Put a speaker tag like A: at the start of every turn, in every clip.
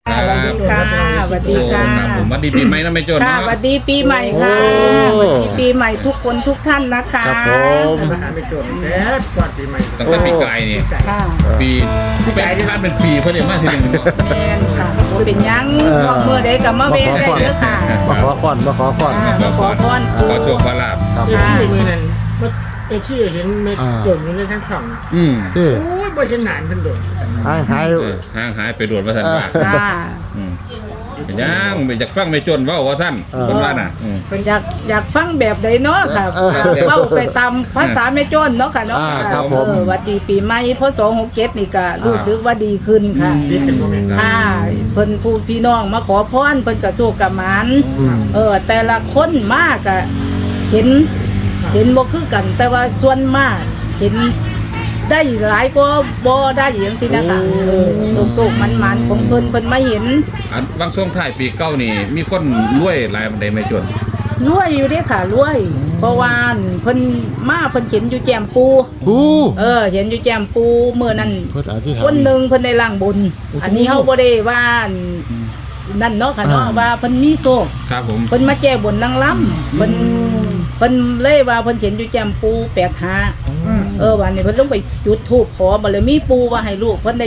A: สวัสดีค่ะสวัสดีค่ะ
B: ผมสวัสดีปีใหม่นะแม่โจ้
A: ค่ะ
B: เนาะ
A: สวัสดีปีใหม่ค่ะสวัสดีปีใหม่ทุกคนทุกท่านนะคะ
C: ครับผม
D: มาหาไม่จนแต่ก่อนปีใหม่
B: ตั้งแต่ปีกายนี่
A: ค่ะ
B: ปีเป็นคาดเป็นปีเพื่อนเดียวมากทีหนึ่ง
A: แมนค่ะบ่เป็นหยังบอกเมื่อใดกับมาเวรได้เด้อค่ะ
C: มาขอก่อนมาขอก่อน
A: มาขอพร
B: ขอโชคขอลาบ
C: ครับ
D: เอฟซีมือนั้นว่าเอฟซีเห็นไม่จนอยู่ในทั้งสอง
B: อืม
C: ที่
D: โอ้ยบ่เห็นหนานทั้งโดด
C: หาย
B: ห่างหายไปโดดมาท่านว่า
A: ค่ะ
B: เป็นยังไม่อยากฟังไม่จนว่าท่านคนว่าน่ะ
A: อยากฟังแบบใดเนาะค่ะเล่าไปตามภาษาแม่โจ้นเนาะค่ะเนาะสวัสดีปีใหม่พศ67นี่ก็รู้สึกว่าดีขึ้นค่ะ
D: ดีขึ้นโมเมนต์
A: ค่ะเพิ่นผู้พี่น้องมาขอพรเพิ่นก็โชคกับหมาน แต่ละคนมากอะเห็นบ่คือกัน แต่ว่าส่วนมากเห็นได้หลายก็บ่ได้อย่างสินะคะสุกๆมันๆของเพิ่นมาเห็น
B: อันบางช่วงท้ายปีเก้านี่มีคนรวยหลายบันไดไม่จน
A: รวยอยู่เด้ค่ะรวย เพราะว่าเพิ่นมาเพิ่นเห็นอยู่แจ่มปู
C: หู
A: เห็นอยู่แจ่มปูเมื่อนั้น
C: เพิ่นอธิษฐาน
A: คนหนึงเพิ่นได้ล่างบุญอันนี้เฮาบ่ได้ว่านั่นเนาะค่ะเนาะว่าเพิ่นมีโชค
B: ครับผม
A: เพิ่นมาแก้บนนางล้ำเพิ่นเลยว่าเพิ่นเห็นอยู่แจ่มปู85วันนี้เพิ่นลงไปจุดธูปขอบารมีปูว่าให้ลูกเพิ่นได้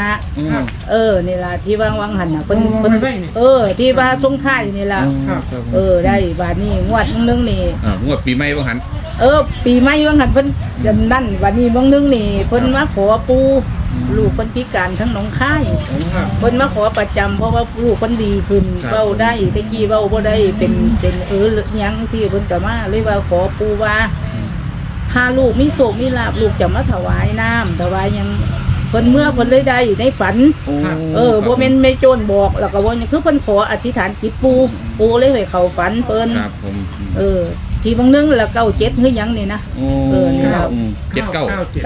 A: 75นี่ล่ะที่วางหันน่ะเพิ่นที่ว่าทรงท้ายนี่ล่ะได้บาดนี้งวดนึงนี่
B: งวดปีใหม่บางหัน
A: ปีใหม่วางหันเพิ่นนั่นวันนี้บางนึงนี่เพิ่นมาขอปูลูกเพิ่นพิการทั้งหนองคายเพิ่นมาขอประจำเพราะว่าลูกเพิ่นดีขึ้นเว้าได้ตะกี้เว้าบ่ได้เป็นหยังสิเพิ่นก็มาเลยว่าขอปูว่าถ้าลูกมีโศกมีลาภลูกจะมาถวายน้ำถวายหยังเพิ่นเมื่อเพิ่นเลยได้ในฝันบ่แม่นไม่โจรบอกแล้วก็ว่าคือเพิ่นขออธิษฐานจิตปูเลยให้เข้าฝันเพิ่น
B: ครับผม
A: ที่บางนึงแล้ว97คือหยังนี่นะนี่ล่ะ
B: 79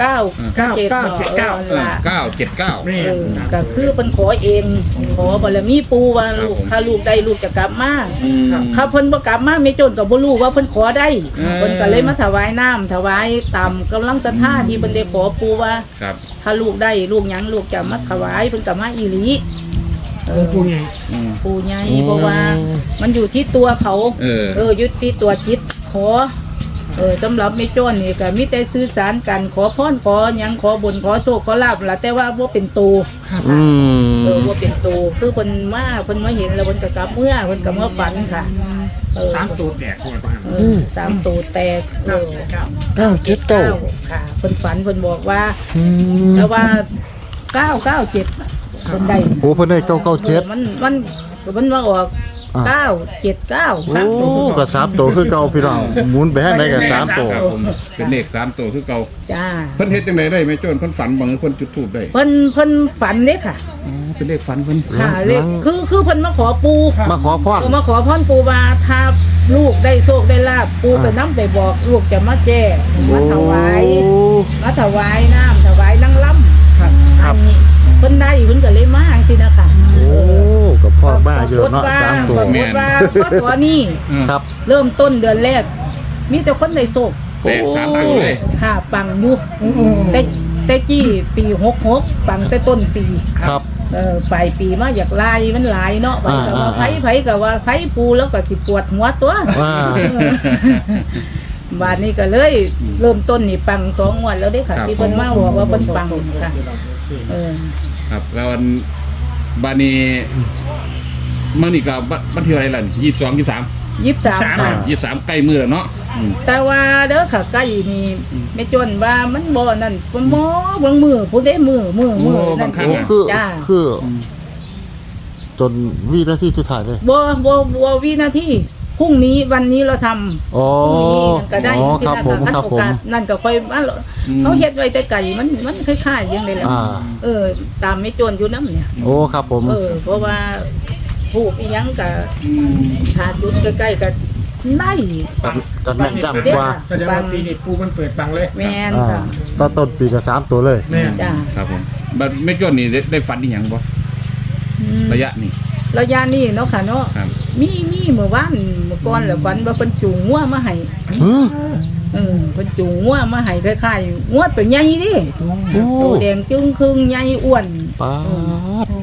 A: 979
D: นี่
A: ก็คือเป็นขอเองขอบารมีปูว่าลูกถ้าลูกได้ลูกจะกลับมาถ้าเพิ่นบ่กลับมาไม่จนก็บ่รู้ว่าเพิ่นขอได้เพิ่นก็เลยมาถวายน้ำถวายตามกำลังศรัทธาที่เพิ่นได้ขอปูว่า
B: ครับ
A: ถ้าลูกได้ลูกหยังลูกจะมาถวายเพิ่นก็มาอีหลี
D: ปูใหญ่
A: ปูใหญ่เพราะว่ามันอยู่ที่ตัวเขาอยู่ที่ตัวจิตขอสำหรับไม่โจ้นนี่ก็มีแต่สื่อสารกันขอพรขอหยังขอบุญขอโชคขอลาภล่ะแต่ว่าบ่เป็นตูบ่เป็นตูคือเพิ่นมาเห็นแล้วเพิ่นก็กลับเมื่อเพิ่นก็มาฝันค่ะ
D: 3ตัวแตกคนบ้าน
A: 3ตูแตก
C: 979
A: ค่ะเพิ่นฝันเพิ่นบอกว่าแต่ว่า997เพิ่นได้
C: โอ้เพิ่นได้997
A: มันมาออก979
C: โอ้ก็3ตัวคือเก่าพี่น้องหมุนไปให้ได้ก็3ตัว
B: ครับผมเป็นเลข3ตัวคือเก่า
A: จ้า
B: เพิ่นเฮ็ดจังไดได้แม่โจ้เพิ่นฝันบ่เพิ่นจุดธูปได้
A: เพิ่นฝันเด้ค่ะ
B: เป็นเลขฝันเพิ่น
A: ค่ะเลขคือเพิ่นมาขอปู
C: มาขอพร
A: มาขอพรปูว่าถ้าลูกได้โชคได้ลาภปูก็นำไปบอกลูกจะมาแก้มาถวายน้ำถวายนางล้ำอันนี้เพิ่นได้เพิ่นก็เลยมาจังซี่นะคะ
C: โอ้กับพ่อบ้าอยู่เนาะ3ตัว
A: ปรากฏว่าพศนี้
C: ครับ
A: เริ่มต้นเดือนแรกมีแต่คนได้โชค
B: แตก3ตัวเลย
A: ค่ะปังอยู่แต่กี้ปี66ปังแต่ต้นปี
C: ครับ
A: ปลายปีมาอยากลายมันหลายเนาะไปกับว่าไผกับว่าไผปูแล้วก็สิปวดหัวตัวบาดนี้ก็เลยเริ่มต้นนี่ปัง2 งวดแล้วเด้ค่ะที่เพิ่นมาบอกว่าเพิ่นปังค่ะ
B: ครับแล้วบานี้มันนี่ก็บันที่อะไรล่ะ22 23
A: 23ค่ะ
B: 23ใกล้มือแล้วเนาะ
A: แต่ว่าเด้อค่ะใกล้นี่ไม่จนว่ามันบ่นั่นบ่หมอบางมือผู้ใดมือนั่น
C: โอ้คือจนวินาทีสุดท้ายเลย
A: บ่วินาทีพรุ่งนี้วันนี้เราทำ
C: อ๋อ
A: พรุ่งนี้ก็ได้สิ
C: ครับ
A: นะ
C: ผม
A: คะ
C: ครับ
A: โอ
C: ผม
A: กาสนั่นก็ค่อยเขาเฮ็ดไว้แต่ไก่มันคล้ายๆอย่างไรแหละตามไม่โจรอยู่น้ำเนี่ย
C: โอ้ครับผม
A: เพราะว่าผู้อีหยังก็ถ้าจุดใกล้ๆก็ได้
C: กันแม่นจำกว่า
D: แสดงว่าปีนี้ปูมันเปิดปังเลย
A: แม่นค่ะ
C: ตอนต้นปีก็3ตัวเลย
D: แม่
A: จ้า
B: ครับผมบัดไม่จนนี่ได้ฝันอีหยังบ่ระยะนี้
A: ระยะนี้เนาะค่ะเนาะ
B: ครับ
A: มีเมื่อวานเมื่อก่อนแล้วฝันว่าเพิ่นจูงงัวมาให้เพิ่นจูงงัวมาให้คล้ายๆงัวตัวใหญ่ดิตัวแดงจึ้งครึ่งใหญ่อ้วน
C: ป๊าด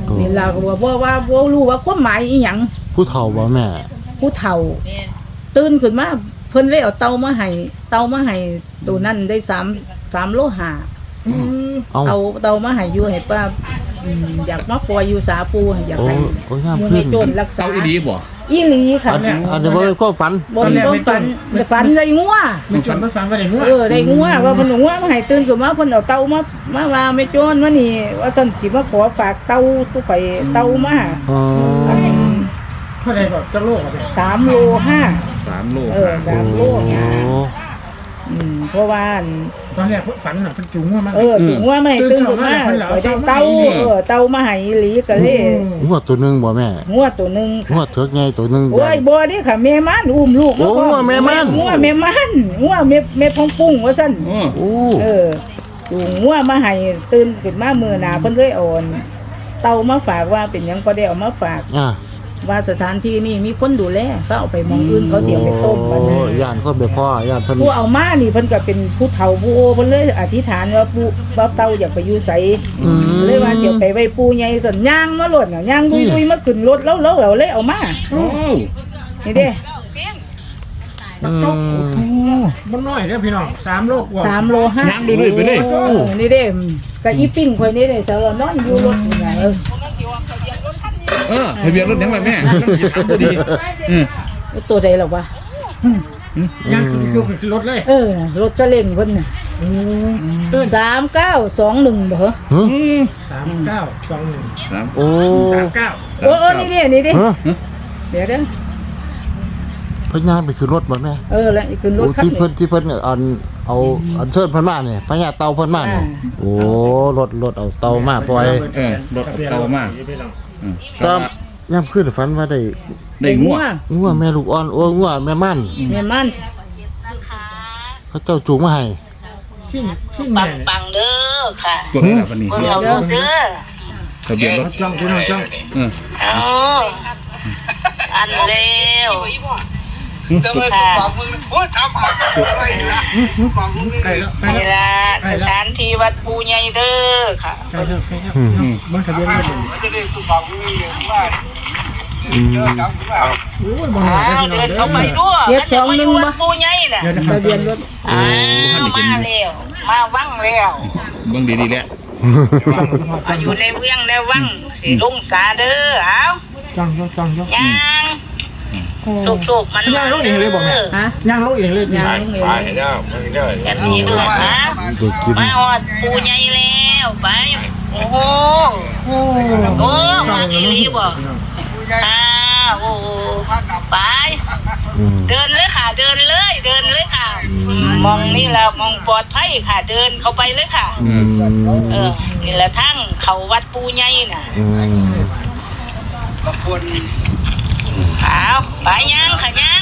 A: นี่ล่ะก็ว่าบ่รู้ว่าความหมายอีหยัง
C: ผู้เฒ่าบ่แม่
A: ผู้เฒ่าตื่นขึ้นมาเพิ่นเลยเอาเตามาให้ตัวนั้นได้3โลหะ
C: เอา
A: เอาเตามาให้อยู่ให้ป้าอยากมาปล่อยอยู่สาปูอยาก
C: โอ้
A: ให้
C: โอ้ยาม
A: หมู่
C: ขึ้
A: ให้
C: น
A: โจรรักษา
B: เสาอีดีบ่
A: อีหลีค่ะ
C: อันนี้บ่เป็นความฝัน
A: บนบ่ฝันได้งัว
D: มันจนมันฟังก็ได้มั่ว
A: ได้งัวว่าเพิ่นเอางัวมาให้ตื่นขึ้นมาเพิ่นเอาเตามาว่าแม่โจรว่านี่ว่าซั่นสิมาขอฝากเตาตู้ข่อยเตามา
C: อ๋อ
D: เท่าไหร่ก็จะโลกอ่ะเนี่ย
A: 3โล5
B: 3 โล
A: 3โล
C: โอ้
A: เพราะว่า
D: ตอนแรกฝันน่ะเป็นจุ๋งว่ามัน
A: ถึงว่าไม่ตื่นขึ้นมาข่อยได้เตาเตามาให้อีหลีก็เลย
C: หัวตัวหนึงบ่แม่
A: งัวตัวหนึง
C: หัวเถือกใหญ่ตัวหนึง
A: โอ้ยบ่เด้ค่ะแม่ม่านอุ้มลูก
C: โอ้งัวแม่ม่าน
A: งัวแม่ม่านงัวแม่พองปุ้งว่าซั่น
B: โอ้
C: โอ้
A: จูงงัวมาให้ตื่นขึ้นมามื้อหน้าเพิ่นเลยอ่อนเตามาฝากว่าเป็นหยังก็ได้เอามาฝาก
C: อ่ะ
A: ว่าสถานที่นี่มีคนดูแลก็เอาไปหมองอื่นเขาเสียไปต้มกัน
C: โอ้
A: นะ
C: ย่านคนไปพ่อย่านเพิ่น
A: ผู้เอามานี่เพิ่นก็เป็นผู้เฒ่าผู้โอเพิ่นเลยอธิษฐานว่าปู่ว่าเตาอยากไปอยู่ไส
C: อืม
A: เลยว่าเสียไปไว้ปู่ใหญ่สั่นย่างมาโลดน่ะย่างดุยๆมาขึ้นรถแล้วเลยเอามา
B: โอ้
A: นี่เด้
C: อืม
D: มันน้อยเด้อพี่น้อง3โลกว่า
A: 3โล5
B: ย่างเรื่อยๆไปเลย
A: นี่เด้ก็อีปิ้งข่อยนี่เด้แต่เรานอนอยู่รถนี่น่ะ
B: ทะเบียนรถยังไงแม่ถามพอดี
A: ตัวใดล่ะวะ
D: ย่างคือรถเลย
A: รถซาเล้งเพิ่นน่ะ
D: ตื่น
A: 3921บ่เหรอ
C: ฮะ
D: 3921
C: โอ้
D: 39
A: โอ้นี่เด้
C: ฮะ
A: เดี๋ยวเด้อ
C: เพิ่นย่างไปขึ้นรถบ่แม่
A: แล้วขึ้นรถ
C: โอ้
A: คัน
C: ที่
A: นี้
C: เพิ่นเอาเชิญเพิ่นมาเนี่ยพญาเต่าเพิ่นมาเนี่ยโอ้รถเอาเต่ามาปล่อย
B: รถเตามาก
C: ก็ย่ำขึ้นฝันว่าได้
B: ได้งัว
C: งัวแม่ลูกอ่อนโอ้งัวแม่มัน
A: แม่มัน
C: เขาเจ้าจูงมาให้
D: สิ้นแม่
E: ปังเด้อค่ะ
B: ตัวไหนล่ะวันนี้
E: เบิ่งเอาลูกเด้อ
B: ทะเบียนรถ
D: จ้องพี่น้องจ้อง
E: เอาอันเร็วค่ะ
D: ใกล้แล้วใกล้
E: นี่
D: แล้ว
E: ล่ะสถานที่วัดปูใหญ่เด้อค่ะ
D: ใกล้แล้วมันทะเบียนรถโอ้ยบ่น้อย
E: อ้าว
D: เด้
E: เดิ
D: อน พี่น้
E: เข้า
D: อง
E: ไป
D: เด้อ
E: ด้วยมันจะมาอยู่วัดปูใหญ่น่ะ
D: เดี๋ยว
A: ทะเบียนรถ
E: อ้าวมาแล้วมาวังแล้ว
B: เบิ่งดีๆแล้ว
E: มาอยู่ในเวียงแล้ววังสิลงสาเด้อเอา
D: จ้อง
E: ย่างสุกๆมัน
D: ย่างลงเองเลยบอกแม่
A: ฮะ
D: ย่างลงเองเลย
A: ยางเอง
E: แบบนี้ด้วยฮะ
C: ตัวกิน
E: มาหอดปูใหญ่แล้วไปโอ้โห
D: โอ้
E: โอ้มาอีหลีบ่โอ้ไป เดินเลยค่ะ เดินเลยค่ะ มองนี่แหละมองปลอดภัยค่ะ เดินเข้าไปเลยค่ะ นี่แหละทั้งเขาวัดปูใหญ่น่ะเอาไปยังค่ะยัง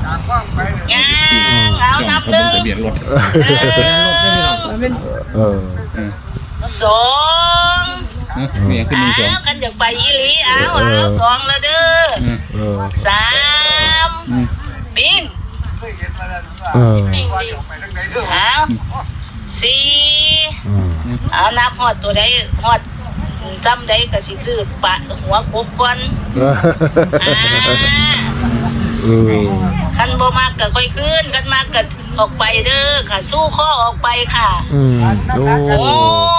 E: เอานับหนึ่ง
B: ทะเบียนรถ
A: มันเป็น
E: สอง
B: เนี่ยขึ้น1 2
E: กันอยากไปอีหลีเอาสองแล้วเด้อสามปิ้งเอาสี่เอานับหอดตัวใดหอดจำได้ก็สิซื้อปะหัวกบก่อนคันบ่มากก็ค่อยขึ้นคันมากก็ออกไปเด้อค่ะสู้ข้อออกไปค่ะโอ้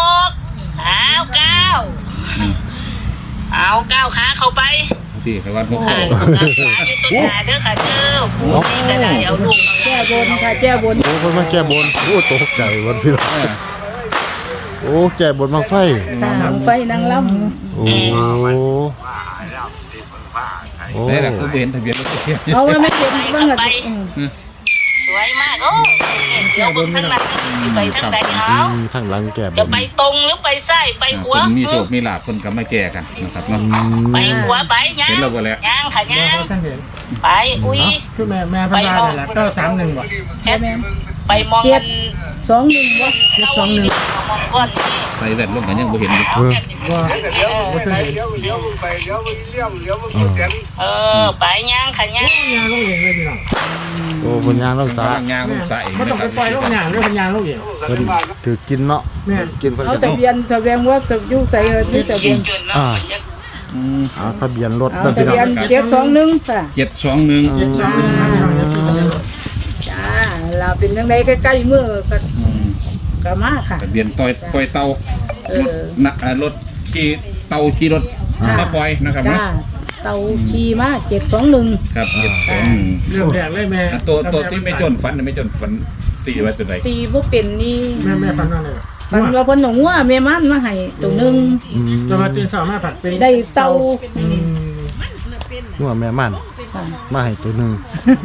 E: เอาก้าวขาเข้าไป
B: ที่ไปวัดนก
E: ขาอยู่ตรงหน้าเด้อค่ะเด้อผู้นี้ก็ได้เอาลูก
A: แก้บนค่ะแก้บน
C: โอ้เพิ่นมาแก้บนโอ้ตกใจวันพี่น้องโอ้แก้บนบังไฟ
A: ค่ะไฟนางล
C: โอ้โอ้
B: ได้ล่ะเขาเห็นทะเบียนรถ
A: ำเอาไว้ไม่เห็นบ้างล่ะ
E: สวยมากโอ้เดี๋ยวบนข้างหลังสิไปทางใดเอา
C: ทางหลังแก้บ
E: จะ
C: น
E: ไปตรงหรือไปซ้ายไปขวา
B: มีโชคมีลาภคนก็มาแก้กันนะครับเนาะ
E: ไปขวาไปย่าง
B: เห็นแล้วบ่แล้ว
E: ย่างค่ะย่าง
D: ท่านเห็น
E: ไปอุ้ย
D: คือแม่พญาเนี่ยแหละ931บ่
E: แค่ไปมองกัน
A: 2-1วะ
E: เราอีนี่มองก้อนนี่
B: ใส่แว่นลงกันยังบ่เห็นอยู่
D: ว่าบ่ทันเห็น
E: ไปย่างค่ะย่าง
D: ย่างลงเองเลยพี่น้อง
C: โอ้เพิ่นย่างรักษา
B: ทางยางลงสาเอง
D: บ่ต้องไปปล่อยลงย่างเด้อพญาลงเอง
C: เพิ่นถือกินเนาะ
D: แม่
C: กินเพิ่น
A: เอา
C: จะ
A: ทะเบียนว่าจะอยู่ใส่ที่ทะเบียน
E: จนแล้ว
C: ทะเบียนรถ
A: ทะเบียน721ค่ะ
B: 721
D: เจ็ดสองพี่น้องเอฟซีทะเบียนรถ
A: จ้าเราเป็นจังไดใกล้ๆมือก็มาค่ะ
B: ทะเบียนปล่อยเตารถนะรถขี่เตาขี่รถมาปล่อยนะครับ
A: จ้า
B: นะ
A: เตาขี่มา721
B: ครับ
D: เรื่องแรกเลยแม่
B: ตัวที่ไม่จนฝันไม่จนฝันตีไว้ตัวใด
A: ตีบ่เป็นนี่
D: แม่ฟันว่าอะไร
A: ฝันว่าเพิ่นเอางัวแม่มันมาให้ตัวหนึง
D: เรามาตื่นสามารถผัดเป็น
A: ได้เตา
C: งัวแม่มันมาให้ตัวหนึง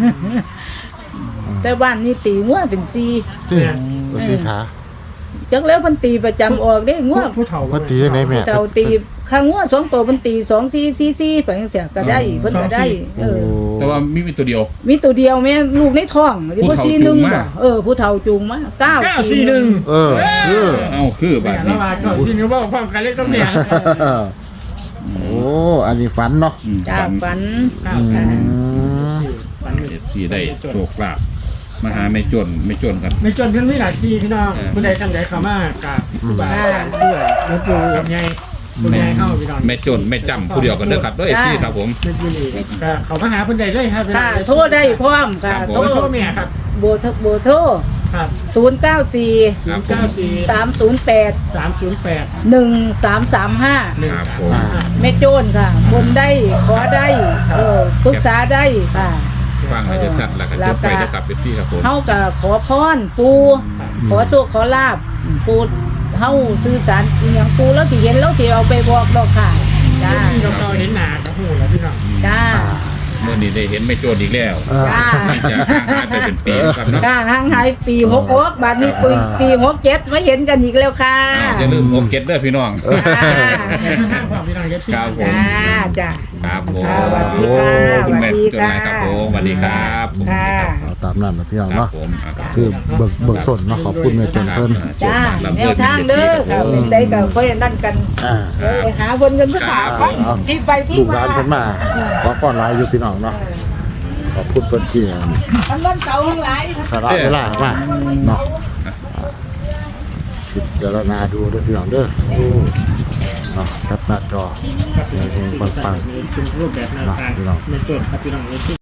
A: แต่บ้านนี่ตีงัวเป็น4
C: ที่ตัวสีขา
A: จักแล้วเพิ่นตีประจำออกเด้งัว
D: ผู้เฒ่า
C: ว่าตีไหนแม่
A: เตาตีข้างงัว2ตัวเพิ่นตี2444ไปจังซี่ก็ได้เพิ่นก็ได้
C: โอ้
B: แต่ว่ามีตัวเดียว
A: มีตัวเดียวแม่ลูกในท้องสิ
B: ผู้
A: บ่
B: เฒ่า
A: 41
B: จูงมา
A: บ่ผู้เฒ่าจูงมา 941
C: เออ
B: เอาคือ
D: แม่
B: บาด
D: ละ
B: นี้
D: วาก็ซินก็บอกความกันเล็กต้องเนี่ย
C: โอ้อันนี้ฝันเนาะ
A: จ้าฝัน
C: อืม
B: ที่ได้โชคลาภมาหาไม่จนกัน
D: ในจนเพื่อนไม่หลายทีพี่น้องผู้ใดท่านใดเข้ามากับผู้บ่าวด้วยหลวงปู่กับยายผู้ใดเข้าพี่น้อง
B: ไม่จนไม่จำผู้เดียวกันเด้อครับเด้อพี่ครับผม
D: ไม่กี่นี่ก็เขามาหาผู้ใดเลยครับ
A: ค่ะโทรได้พร้อมค่ะ
D: โทรโทรแม่ครับ
A: โบโทร
D: ครับ
A: 094
B: ครับผม
A: 308
D: 308
A: 1335
B: ครับผม
A: แม่โจนค่ะ บนได้ขอได้ปรึกษาได้ค่ะ
B: ฟังให้ชัดๆแล้วก็จบไปนะครับเป็นพี่ครับผม
A: เฮาก็ขอพรปูขอโชคขอลาบปูเฮาสื่อสารอีหยังปูแล้วสิเห็นแล้วสิเอาไปบอกดอกค่ะจ้า
D: ที่เราเห็นหนากับหูแล้วพี่น้อง
A: จ้า
B: เมื่อนี้ได้เห็นไม่โจนอีกแล้ว
A: จ้า
B: หลังจากห่างหายไปเป็นปีครับเนาะ
A: จ้าห่างหายปี66บัดนี้ปี67มาเห็นกันอีกแล้วค่ะ
B: อย่าลืมโอเก็ตเด้อพี่น้อง
D: พี่น้องเย็บซี่
B: ครับผม
A: จ้า
B: ครับผม
A: สวัสดีค่ะ
B: ขอบคุณแม่
A: สวัสดี
B: จน
A: ค่ะ
B: นายครับผมสวัสดีครับผม
A: ค่ะ
C: เอาตามนั้นนะพี่น้อง
B: ครับ
C: เนาะ
B: ผมครับ
C: คือเบิกต้นเนาะขอบคุณแม่จนเพิ่น
A: จ้าแนวทางเด้อค่ะเป็นได้ก็ค่อยนั่นกัน
C: อ่า
A: เดี๋ยวไปหาคนกันก็ถามว่าที่ไปที่
C: ลูกห
A: มา
C: ลานเพิ่นมาขอก้อนหลายอยู่พี่น้องเนาะขอบคุณเพิ่นที่
A: ทั้งวันเสาร์ทั้งหลาย
C: สละเวลามาเนาะพิจารณาดูด้วยพี่น้องเด้อเนาะครับหน้าจอเฮงๆปัง
D: เป็นรูปแบบแนวทางในจุดครับพี่น้องเย็บซี่